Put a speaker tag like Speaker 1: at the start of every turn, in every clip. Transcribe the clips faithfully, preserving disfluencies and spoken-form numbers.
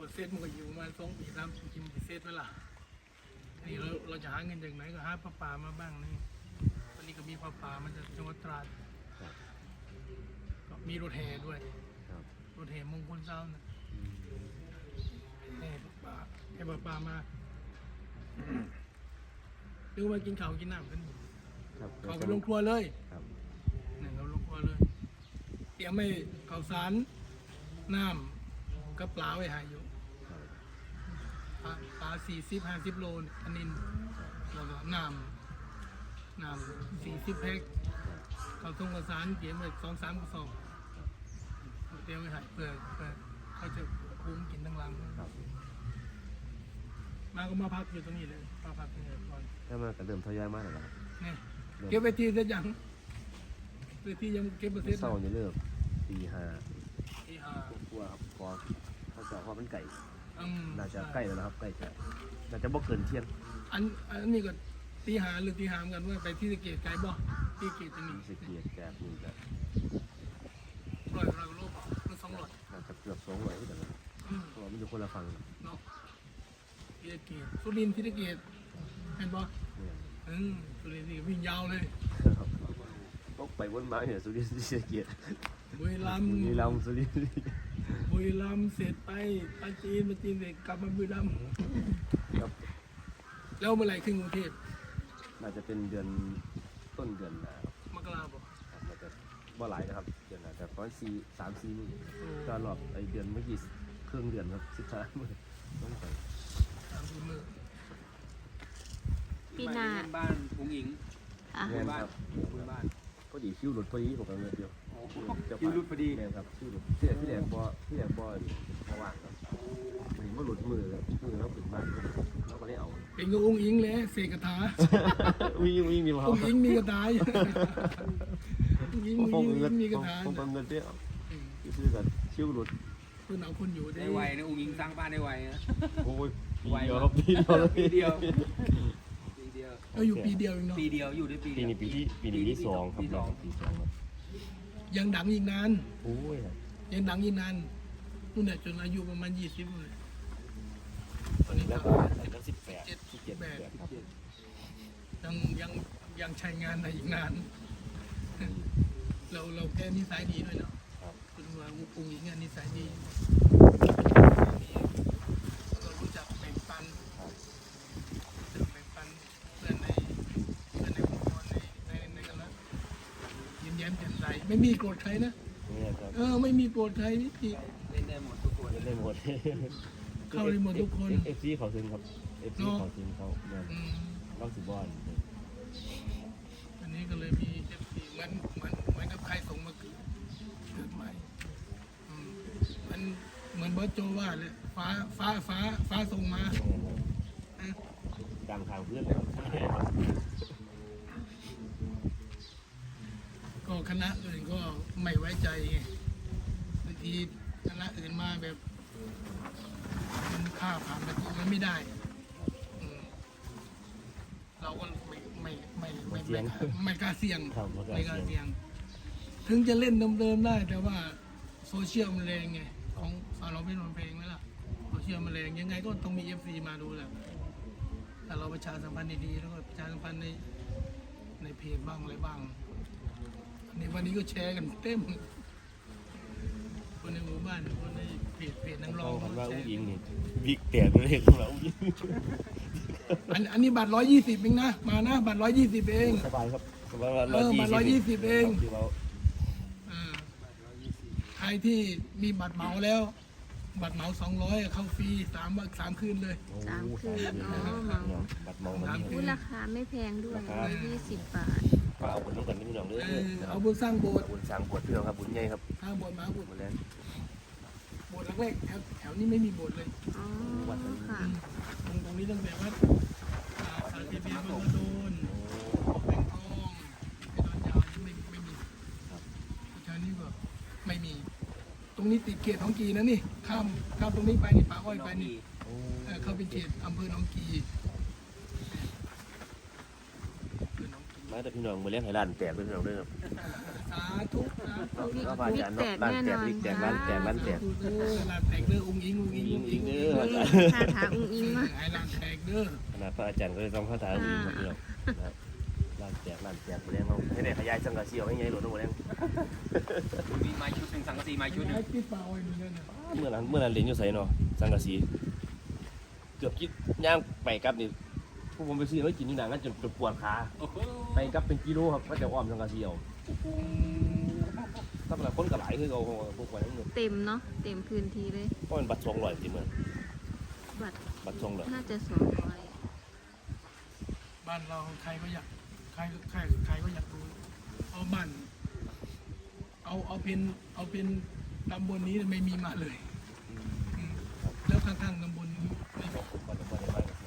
Speaker 1: ดเซตมันก็อยู่ประมาณสองปีสามปีกินกี่เซตไหมล่ะนี่เราเราจะหาเงินจากไหนก็หาปลาป่ามาบ้างนี่ตอนนี้ก็มีปลาป่ามาจากจังหวัดตราดก็มีรถแห่ด้วยรถแห่มงคลเจ้านะแห่ปลาป่าแห่ปลาป่ามาดูมากินข้าวกินน้ำกันเขาไปลงครัวเลยนี่เขาลงครัวเลยเตรียมไม่ข้าวสารน้ำกับปลาไว้หายอยู่ปลาปลาสี่สิบห้าสิบโลอันนี้แล้วก็น้ำน้ำสี่สิบแพ็คข้าวต้มข้าวสารเตรียมไว้สองสามกระสอบเตรียมไว้หายเพื่อเพื่อเขาจะคุ้มกินทั้งรังมาก็มาพักอยู่ตรงนี้เลยมาพักตรงนี้ก่อน
Speaker 2: ถ้ามันก็เริ่มทยอยมากแล้วครับ
Speaker 1: นี่เก็บไปทีเสร็จยังไปทียังเก็บไปเสร็จ
Speaker 2: เศร้าจะเลิกตีห้า
Speaker 1: ตีห้าก
Speaker 2: ลัวครับพอเขาจะพอมันไก่
Speaker 1: อืม
Speaker 2: น่าจะใกล้แล้วนะครับใกล้จะน่าจะบ่เกินเที่ยง
Speaker 1: อันอันนี้ก็ตีหาหรือตีหามกันว่าไปที่สะเกตไกลบ่ที่เกตจะมี
Speaker 2: สเกียรแกนี่จะ
Speaker 1: ร้อยร้อยโลหรือสองร้อย
Speaker 2: น่าจะเกือบสองร้อยที่แต่ละเพราะมันอยู่คนละฝั่ง
Speaker 1: เนาะที่สะเกตสุรินทร์ที่สะเกตเห็นบ่อืมสุรินทร์นี่วิ่งยาวเลย
Speaker 2: ต้องไปวนมาเนี่ยสุรินทร์ที่สเกียร
Speaker 1: บุรีรัมย์
Speaker 2: บุรีรัมย์สุรินทร์
Speaker 1: บุรีรัมย์เสร็จไปปาจีนปาจีนเสร็จกลับมาบุรีรัมย์
Speaker 2: ครับ
Speaker 1: แล้วเมื่อไหร่ขึ้นกรุงเทพ
Speaker 2: น่าจะเป็นเดือนต้นเดือน
Speaker 1: มกราคม
Speaker 2: น่าจะบ่หลายนะครับเดือนน่าจะประมาณสี่สามสี่มื้อก็รอบไอเดือนเมื่อกี้ครึ่งเดือนครับสิบสามมื้อต้องไป
Speaker 1: สามสี่มื้อ
Speaker 3: ปีหน้า
Speaker 4: บ้านพุงอิง
Speaker 2: แม่ครับ
Speaker 4: บ้าน
Speaker 2: ก็ดีคิวหลุดพอดีผมก็เงินเดียว
Speaker 4: คิวหลุดพอดี
Speaker 2: แม่ครับคิวหลุดที่ที่แหลกบ่ที่แหลกบ่เพราะว่าครับมันบ่หลุดมือครับมือเราถึงบ้านเราก็ได้เอา
Speaker 1: เป็นกับองค์อิงเลยเสกคาถา
Speaker 2: วิ่งวิ่งมีมา
Speaker 1: องค์อิงมีกระต่ายองค์อิงมีกระต่าย
Speaker 2: ผมเงินเดียวคือแบบคิวหลุด
Speaker 1: เพื่อนเอาคนอยู่
Speaker 4: ได้ไวนะองค์อิงสร้างบ้านได้ไวนะ
Speaker 2: โอ้ยไวครับปีเดียว
Speaker 4: ปีเดียว
Speaker 1: เราอยู่ปีเดียวเองเนาะ
Speaker 4: ปีเดียวอยู่ได้ปี
Speaker 2: ปีนี้ปีที่ปีนี้ที่สองครับปีสองครับ
Speaker 1: ยังดังอีกนาน
Speaker 2: โอ้ย
Speaker 1: ยังดังอีกนานนู่นเนี่ยจนอายุประมาณยี่สิบเลยตอนนี้ก็
Speaker 2: สิบแปด
Speaker 1: สิบเจ็ดแปดยังยังยังใช้งานได้อีกนานเราเราแค่นิสัยดีด้วยเนาะคุณว่าอุ้งอิงนิสัยดีเรารู้จักแบ่งปันแบ่งปันเพื่อนในเพื่อนในองค์กรในในในกันแล้วยิ้มแย้มแจ่มใสไม่มีโกรธใครนะเออไม่มีโกรธใครนี่
Speaker 4: เล่นได้หมดทุกคน
Speaker 2: เล่นได้หมด
Speaker 1: เข้าได้หมดทุกคน
Speaker 2: เอฟซีเขาซึงครับเอฟซีเขาซึงเขาเนี่ยต้องสิบบอล
Speaker 1: อันนี้ก็เลยมีเอฟซีเหมือนเหมือนเหมือนกับใครส่งมาเกิดเกิดใหม่มันเหมือนเบิร์ตโจว่าเลยฟ้าฟ้าฟ้าฟ้าส่งมา
Speaker 2: ดังทางเพื่อน
Speaker 1: ก็คณะอื่นก็ไม่ไว้ใจบางทีคณะอื่นมาแบบมันค่าผ่านประตูมันไม่ได้เราก็ไม่ไม่ไม่ไม่ไม่กล้าเสี่ยงไม่กล้าเสี่ยงถึงจะเล่นเดิมๆได้แต่ว่าโซเชียลมันแรงไงของสาวเราเป็นเพลงไหมล่ะโซเชียลมันแรงยังไงก็ต้องมีเอฟซีมาดูแหละแต่เราประชาสัมพันธ์ดีๆแล้วก็ประชาสัมพันธ์ในในเพจบ้างอะไรบ้างในวันนี้ก็แชร์กันเต็มคนในหมู่บ้านคนในเพจเพจนักร้อง
Speaker 2: เขาว่าอุ้งอิงนี่บิ๊กแตกเลยของเราอุ้งอิง
Speaker 1: อันอันนี้บัตรร้อยยี่สิบเองนะมานะบัตรร้อยยี่สิบเอง
Speaker 2: สบายครับสบาย
Speaker 1: เออบัตรร้อยยี่สิบเองใครที่มีบัตรเหมาแล้วบัตรเหมาสองร้อยเข้าฟรีสามวันสามคืนเลย
Speaker 3: สามคืนอ๋อเหมา
Speaker 2: บัตรเหมา
Speaker 3: ราคาไม่แพงด้วยร้อยยี่สิบบาท
Speaker 2: เอาบุญต้องกันนิดหน่อยเลย
Speaker 1: เอาบุญสร้างโบสถ์
Speaker 2: บุญสร้างโบสถ์เพื่อนครับบุญใหญ่ครับ
Speaker 1: สร้างโบสถ์มาโบสถ์มาแล้วโบสถ์แรกๆแถวแถวนี้ไม่มีโบสถ์เลย
Speaker 3: อ๋อค่ะ
Speaker 1: ตรงตรงนี้ตั้งแต่วัดสาธิตเบียร์บางกระโดนแบงทองไอ้ดอนยาวไม่ไม่มีแถวนี้ก็ไม่มีตรงนี้ติดเขตของกีนะนี่ข้ามข้ามตรงนี้ไปนี่ป่าอ้อยไปนี่เข้าเป็นเขตอำเภอหนองกี
Speaker 2: บมาแต่พี่น้องมาเลี้ยงให้ร้านแตกเลยพี่น้องเด้อครับ
Speaker 1: สาธุสาธุ
Speaker 3: วิก
Speaker 2: ก็พระอาจารย์เนาะร้านแตกวิกแตกร้านแตกร้านแตก
Speaker 1: เด้อร้านแตกเด้ออุ้งอิงอุ้งอิง
Speaker 2: ยิ
Speaker 1: อุ้
Speaker 2: ง
Speaker 1: ง
Speaker 2: ยิ
Speaker 1: อิ
Speaker 2: ง
Speaker 1: ง
Speaker 2: เด้
Speaker 1: เด้
Speaker 2: อ
Speaker 1: อ
Speaker 3: คาถาอุ้งอิงมา
Speaker 1: ให้ร้านแตกเด้อ
Speaker 2: ขนาดพระอาจารย์ก็เลยต้องคาถายิงมาพี่น้องนะครับร้านแตกร้านแตกมาเลี้ยงเขาให้ได้ขยายสังกะสีเอาให้ใหญ่หลวงมาเลี้ยง
Speaker 4: มีไม้ชุดหนึ่งสังกะสีไม้ชุดหนึ่ง
Speaker 1: ให้ปิดปากไว้นี่นั่นน่ะ
Speaker 2: เมื่อนั้นเมื่อนั้นเรียนอยู่ไสเนาะสังกะสีเกือบคิดย่างไปกลับนี่พวกผมไปซื้อไว้กินนี่นะงั้นจนปวดขา
Speaker 4: โอ้โห
Speaker 2: ไปกลับเป็นกิโลครับก็จะอ้อมสังกะสีเอาถ้าเป็นคนกระไหลคือเขาพวกไว้ทั้งหมด
Speaker 3: เต็มเนาะเต็มพื้นที่เลย
Speaker 2: เพราะมันบัตรสองร้อยสิเหมือน
Speaker 3: บัตร
Speaker 2: บัตรสองร้อย
Speaker 3: น่าจะสองร้อย
Speaker 1: บ้านเราใครก็อยากใครใครใครก็อยากรู้เอาบ้านเอาเอาเป็นเอาเป็นตำบลนี้ไม่มีมาเลยอืมแล้วข้างๆตำบลนี้ไม่มี
Speaker 2: ผมก็จะไม่ได้ไปกับเขา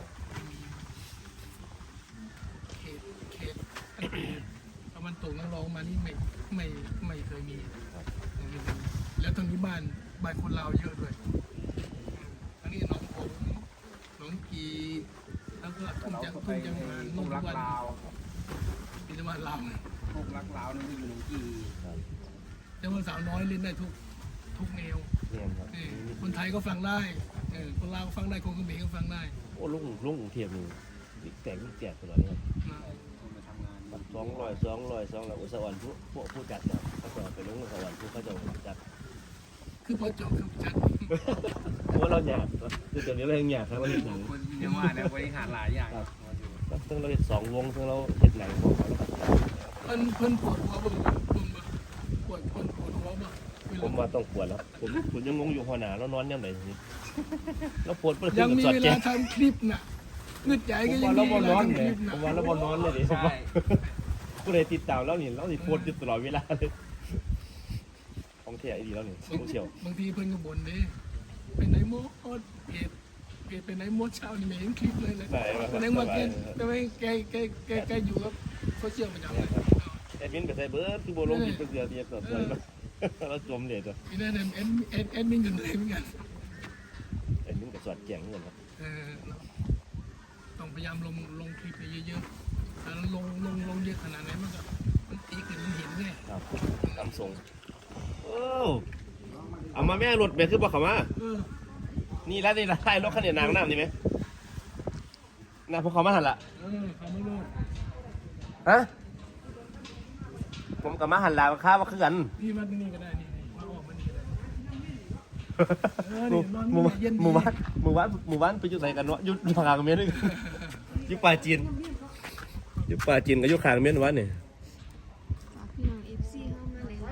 Speaker 1: เขตเขตตั้งแต่ตะวันตกนักร้องมานี่ไม่ไม่ไม่เคยมีไม่เคยมีแล้วตรงนี้บ้านบ้านคนลาวเยอะด้วยอันนี้หน้องผมหน้องกีแล้วก็ทุ่ง
Speaker 4: เรา
Speaker 1: จัง
Speaker 4: ก็ไป
Speaker 1: ทุ่งจังหวัด
Speaker 4: พว
Speaker 1: นุ่
Speaker 4: ก
Speaker 1: ง
Speaker 4: รัก
Speaker 1: วัน
Speaker 4: ลาว
Speaker 1: พิจารณาลาว
Speaker 4: พวกรักลาวนั่นอยู่หนองกี
Speaker 1: แต่ว่าสาวน้อยเล่นได้ทุกทุกแนว
Speaker 2: เนี่ยครับ
Speaker 1: เออคนไทยก็ฟังได้เออคนลาวก็ฟังได้คนเขมรก็ฟังได้
Speaker 2: โอ้ลุงลุงกรุงเทพนี่วิกแตกวิกแตกตลอดเลยครับ
Speaker 1: นะ
Speaker 4: คนมาทำงาน
Speaker 2: บัตรสองร้อยสองร้อยสองร้อยอุตสาหกรรมผู้พวกผู้จัดเนี่ยเขาจะไปลงอุตสาหกรรมผู้เขาจะจัด
Speaker 1: คือพอจบคือจัด
Speaker 2: เพราะว่าเราหยาบคือตอนนี้เรายังหยาบครับเราเห็นหนัง
Speaker 4: คนยังว่าเนี่ยบริหารหลายอย่าง
Speaker 2: ซึ่งเราเห็นสองวงซึ่งเราเห็นหนังของเขาแล้วครับ
Speaker 1: เพิ่นเพิ่นปวดหัวเบิ่งเบิ่งเบิ่งปวดเพิ่นปวดหัวบ่เว
Speaker 2: ผ
Speaker 1: ลาม
Speaker 2: ว่าต้องปวดแล้วผมผมยังงงอยู่หัวหน้าแล้วนอนยังไงทีนี้แล้วปวดเพื่อขึ้
Speaker 1: ยั
Speaker 2: น
Speaker 1: ง
Speaker 2: กับ
Speaker 1: มี
Speaker 2: สอด
Speaker 1: เว
Speaker 2: แจ้
Speaker 1: ลาง ทำคลิปน่ะงึดใจ
Speaker 2: ผ
Speaker 1: ก็
Speaker 2: ม
Speaker 1: ยัง
Speaker 2: ว่า
Speaker 1: มี
Speaker 2: เรา
Speaker 1: เว
Speaker 2: บอ
Speaker 1: ลาน
Speaker 2: อน
Speaker 1: ทำค
Speaker 2: เนี่ย
Speaker 1: ลิปน่ะ
Speaker 2: ผมว่าเราบอนอนเลยดิผม
Speaker 4: ใช่
Speaker 2: ว่าผู้ใดติดตามแล้วนี่เราสิโพสต์อยู่ตลอดเวลาเลยของแท้ดีแล้วนี่โซเชียล
Speaker 1: บางทีเพิ่นก็บ่นเด้ไปไหนหมดเพจเพจไปไหนหมดเช้านี่ไม่เห็นคลิปเลยเลย
Speaker 2: ได้ครับ
Speaker 1: แสดงว่าแกแต่ว่าแกแกแกแกอยู่กับโซเชียลประจำเลย
Speaker 2: แอดมินไปใส่เบิร์ดคือโบลงกินเป็นเดือนเดียวต่อเดือนแล้วจมเลยจ้ะ
Speaker 1: มีได้แอดแอดแอดมินกันเลยเหมือนกัน
Speaker 2: แอดมินกับสอดแจ้งเหมือนกันครับ
Speaker 1: เออเนาะต้องพยายามลงลงคลิปไปเยอะๆถ้าลงลงลงเยอะขนาดไหนมันก็มันตีขึ้นมันเห็นแน่
Speaker 2: ครับตามทรงโอ้เอามาแม่รถแม่คือบอกเขามา
Speaker 1: เออ
Speaker 2: นี่แล้วนี่ละใช่รถคันนี้นางน้ำนี่ไหมน่าพวกเขามาหันละ
Speaker 1: เออเขาไม่รู้
Speaker 2: ฮะผมกับมาหันลาค้ามาคือกัน
Speaker 1: พี่มาที่นี่ก็ได้นี่นี่มาออกมานี่ก็ได้เออ
Speaker 2: หมู่
Speaker 1: นี่นอน
Speaker 2: หมู่
Speaker 1: เย็นดี
Speaker 2: หมู่บ้านหมู่บ้านหมู่บ้านไปอยู่ไหนกันวะอยู่อยู่ขางเมียนด้วยกันอยู่ป่าจีนอยู่ป่าจีนกับอยู่ขางเมียนวันนี่
Speaker 3: ฝากพี่น้องเอฟซีเข้ามาเลยนะ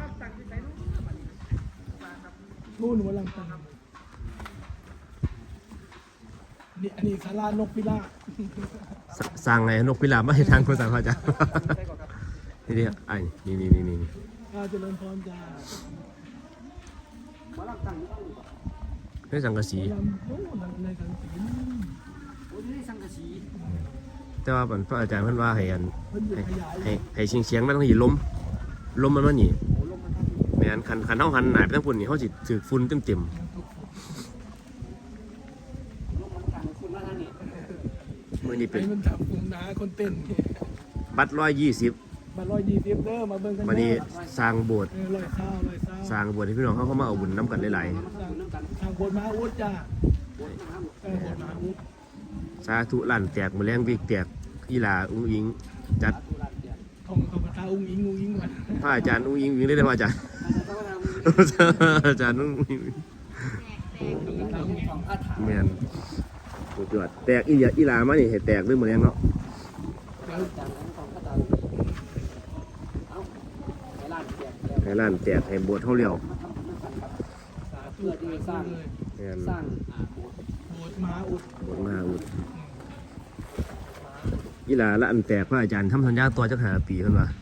Speaker 1: นู่นหัวลำตังนี่อันนี้สารานกพิราบ
Speaker 2: สร้างไงนกพิราบไม่ให้ทางคนสั่งเขาจ้ะนี่ดิไอ้นี่นี่นี่นี่
Speaker 1: อาเจริญพรจ้า
Speaker 2: นี่สังกะสี
Speaker 1: ลำโอ้ลำในสังสี
Speaker 4: โอ้ยนี่สังกะสี
Speaker 2: แต่ว่าพระอาจารย์เพิ่นว่าให้อัน
Speaker 1: เพิ่นอยู่
Speaker 2: ให้
Speaker 1: ขยาย
Speaker 2: ให้ให้เสียงเสียงมันต้องหยีล้มล้มมันมันหนี
Speaker 4: โอ้ลงมาทำ
Speaker 2: แม่นคันคันเฮาหันหน้าไปทางพุ่นนี่เฮาสิถูกฝุ่นเต็ม
Speaker 4: ลงมาทางคุณมาทางนี้
Speaker 2: ๆมื้อนี้เป็น
Speaker 1: ไอ้มันจับกลุ่มนาคนเต้น
Speaker 2: บัตรหนึ่งร้อยยี่สิบ
Speaker 1: มาร้อยยี่สิบเด้อมาเบิ่งกัน
Speaker 2: วันนี้
Speaker 1: เด้อ
Speaker 2: สร้างโบสถ์
Speaker 1: เออร้อยเศร้าร้อยเศร้า
Speaker 2: สร้างโบสถ์ให้พี่น้องเขาเข้ามาเอาบุญน้ำกันหลาย
Speaker 1: ทางทางบนมหาอุดจ้าเออบนมหาอุด
Speaker 2: ๆสาธุลั่นแตกมื้อแรงวิกแตกอีหลาอุ้งอิงจัด
Speaker 1: ท่องท่องคาถาอุ้งอิงอุ้งอิงก่อน
Speaker 2: พระอาจารย์อุ้งอิงวิ่งได้เลยพระอาจารย์ อาจารย์อุ้งอิง
Speaker 1: ท่องคาถาอุ้งอิง
Speaker 4: ของคาถา
Speaker 2: แม่นสุดยอดแตกอีหลาอีหลามานี่ให้แตกด้วยมื้อแรงเนาะ
Speaker 1: เดี๋ยว
Speaker 4: จากนั้นของคาถาเอาไปร้านแจกแล้ว
Speaker 2: ให้ลั่นแตกให้โบสถ์เฮาเลี้ยว
Speaker 1: สาธุเพื่อที่สร้างเลย
Speaker 2: แม่น
Speaker 4: สร้างอ่าโบสถ์
Speaker 1: โบสถ์มหาอุด
Speaker 2: โบสถ์มหาอุดอีหลาละอันแตกพระอาจารย์ทำสัญญาตัวจักหาปีเพิ่นว่า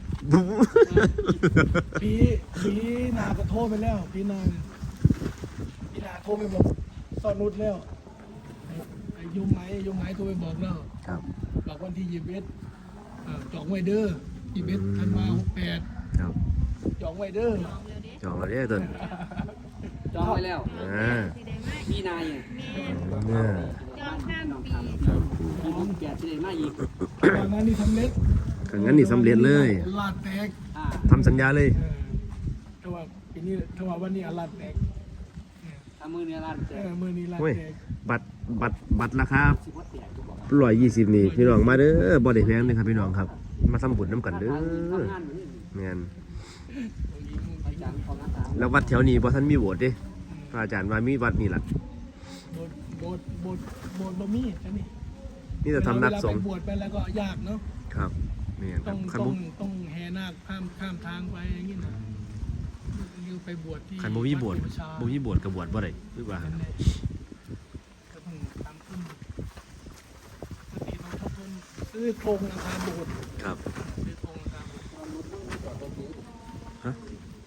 Speaker 1: ปีปีนาก็โทรไปแล้วปีนาปีนาโทรไปบอกสอนุดแล้วไอ้ไอ้ยมไหมยมไหมโทรไปบอกแล้ว
Speaker 2: ครับ
Speaker 1: บอกวันที่ยี่สิบเอ็ดเอ่อจองไว้เด้อยี่สิบเอ็ดธันวาหกแปด
Speaker 2: ครับ
Speaker 1: จองไว้เด้อ
Speaker 2: จองแล้วเด้อต้น
Speaker 4: จองไว้แล้ว
Speaker 2: อ่า
Speaker 4: มีนาย
Speaker 2: เนี่ย
Speaker 3: จองข้ามปี
Speaker 4: มีบุญแก่ที่ไหนมาอีก
Speaker 1: ตอนนั้นนี่ทำเล็ก
Speaker 2: ถ้างั้นนี่สำเร็จเลย
Speaker 1: ลาดแตก
Speaker 4: อ่า
Speaker 2: ทำสัญญาเลย
Speaker 1: เออถ้าว่าปีนี้ถ้าว่าวันนี้อาลาดแตก
Speaker 4: ถ้ามือเนี่ยร้านแจ
Speaker 1: เอก อมือนี้ลาด
Speaker 2: โอ้ย
Speaker 1: แตก
Speaker 2: บัตรบัตรบัตรราคา
Speaker 4: สิบวัดแตกทุกบอก
Speaker 2: ร้อยยี่สิบนี่พี่น้องมาเด้อบ่ได้แพงเลยครับพี่น้องครับ มาทำบุญน้ำกันเด้อ
Speaker 4: ทำงานเหมือน
Speaker 2: แม่น
Speaker 4: อาจารย์ของอาจารย์
Speaker 2: แล้ววัดแถวนี้บ่ทันมีโบสถ์เด้พระอาจารย์ว่ามีวัดนี่ล่ะ
Speaker 1: โบสถ์โบสถ์โบสถ์โบสถ์บะมี่อันนี้
Speaker 2: นี่แต่ทำนักสงฆ์
Speaker 1: เวลาไปบวชไปแล้วก็ยากเนาะ
Speaker 2: ครับแม่นค
Speaker 1: ต้
Speaker 2: รั
Speaker 1: อบ ง
Speaker 2: คัน
Speaker 1: ต้อ
Speaker 2: บ่
Speaker 1: งต้องแห่นาคข้ามข้ามทางไปอย่างนี้นะคือไปบวชที่
Speaker 2: คันบ่มีโบสถ์
Speaker 1: วัดศรีประชา
Speaker 2: บ่มีโบสถ์ก็บวชบ่ได้หรือว่า
Speaker 1: นั่นแหละก็เพิ่งทำขึ้นปกติต้องทบทวนซื้อธงราคาโบสถ์
Speaker 2: ครับ
Speaker 1: ซื้อธงราคาโบสถ์
Speaker 2: ฮะ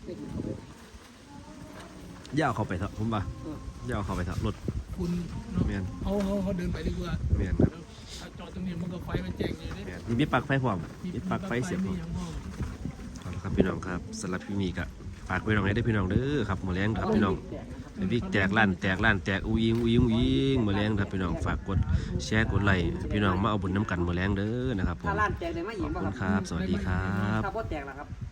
Speaker 2: อย่าเอาเข้าไปเถอะผมว่าอย่าเอาเข้าไปเถอะรถ
Speaker 1: คุณเนาะ
Speaker 2: แม่น
Speaker 1: เขาเขาเขาเดินไปดีกว่า
Speaker 2: แม่นครับ
Speaker 1: ถ้าจอดตรงนี้มันก็ไฟมันแจ้งอยู่เนี่ย
Speaker 2: แม่นนี่มีปลั๊กไฟพร้อมมีปลั๊กไฟเสียบพร้อม
Speaker 1: มีอย่างพร้อม
Speaker 2: เอาละครับพี่น้องครับสำหรับพี่มีกะฝากพี่น้องไว้ได้อพี่น้องเด้อครับมื้อแรงครับพี่น้องไอ้วิกแตกล้านแตกล้านแตกอูยิงอูยิงอูยิงมื้อแรงครับพี่น้องฝากกดแชร์กดไลค์พี่น้องมาเอาบุญน้ำกันมื้อแรงเด้อนะครับผม
Speaker 4: ถ้าร้านแจกได้ไหมหญิง
Speaker 2: ขอบ
Speaker 4: บ้าง
Speaker 2: คุณ
Speaker 4: ครับ
Speaker 2: ครับ สวัสดีครับ
Speaker 4: ถ้าพ่อแจกล่ะครับ